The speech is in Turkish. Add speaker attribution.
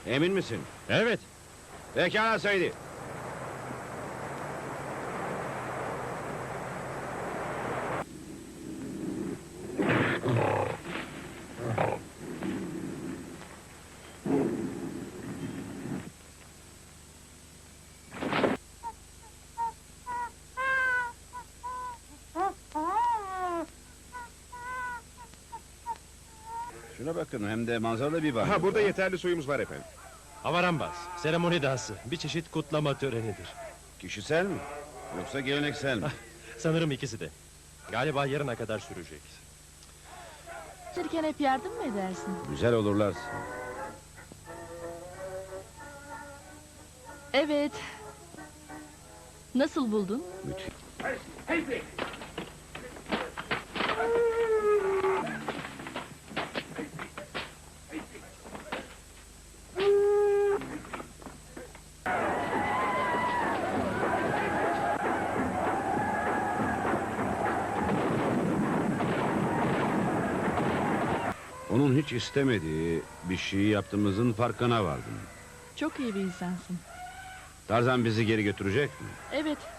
Speaker 1: Emin misin?
Speaker 2: Evet.
Speaker 1: Pekala Said'i. Şuna bakın, hem de manzaralı bir banyo.
Speaker 3: Ha, burada yeterli suyumuz var efendim.
Speaker 2: Havarambaz, seremoni dansı. Bir çeşit kutlama törenidir.
Speaker 1: Kişisel mi? Yoksa geleneksel mi?
Speaker 2: Sanırım ikisi de. Galiba yarına kadar sürecek.
Speaker 4: Çalışırken hep yardım mı edersin?
Speaker 1: Güzel olurlar.
Speaker 4: Evet. Nasıl buldun?
Speaker 1: Müthiş. Onun hiç istemediği bir şeyi yaptığımızın farkına vardım.
Speaker 4: Çok iyi bir insansın.
Speaker 1: Tarzan bizi geri götürecek mi?
Speaker 4: Evet,